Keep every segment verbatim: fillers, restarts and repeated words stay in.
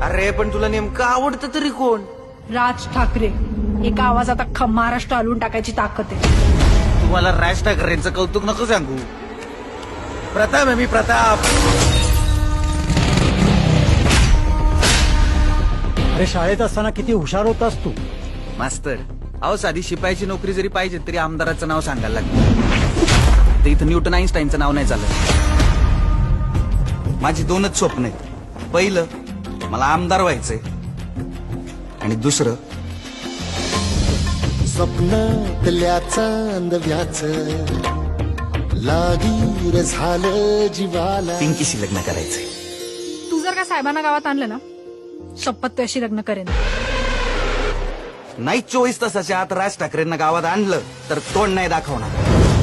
अरे पण तुला नेमकं आवडतं तरी कोण? राज ठाकरे. एका आवाजात अख्खा महाराष्ट्र हलवून टाकायची ताकद आहे. तुम्हाला राज ठाकरेंचं कौतुक नको सांगू. प्रताप आहे मी, प्रताप. अरे शाळेत असताना किती हुशार होतास तू. मास्तर, अहो साधी शिपायाची नोकरी जरी पाहिजे तरी आमदाराचं नाव सांगायला लागतं. तर इथं न्यूटन आईन्स्टाईनचं नाव नाही चालत. माझी दोनच स्वप्न आहेत. पहिलं, मला आमदार व्हायचंय. आणि दुसरं, स्वप्नातल्या चांदव्याच लागीर झालं जीवाला. पिंकीशी लग्न करायचंय. तू जर का साहेबांना गावात आणलं ना, शपथ तू अशी लग्न करेन. नाही चोवीस तासाच्या आत राज ठाकरेंना गावात आणलं तर तोंड नाही दाखवणार.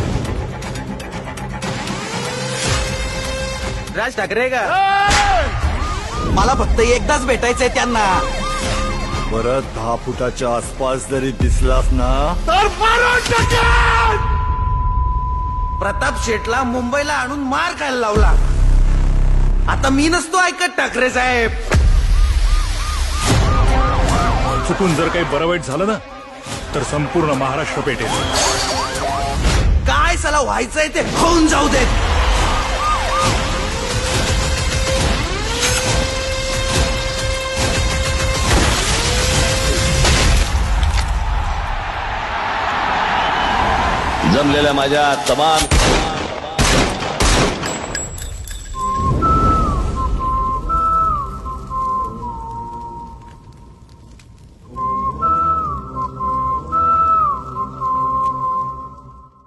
राज ठाकरे का? मला फक्त एकदाच भेटायचंय त्यांना. परत दहा फुटाच्या आसपास जरी दिसलास ना तर प्रताप शेटला मुंबईला आणून मार खायला लावला. आता मी नसतो ऐकत ठाकरे साहेब. चुकून जर काही बरं वाईट झालं ना तर संपूर्ण महाराष्ट्र पेटेल. काय सला व्हायचंय ते होऊन जाऊ देत. जमलेल्या माझ्या तमाम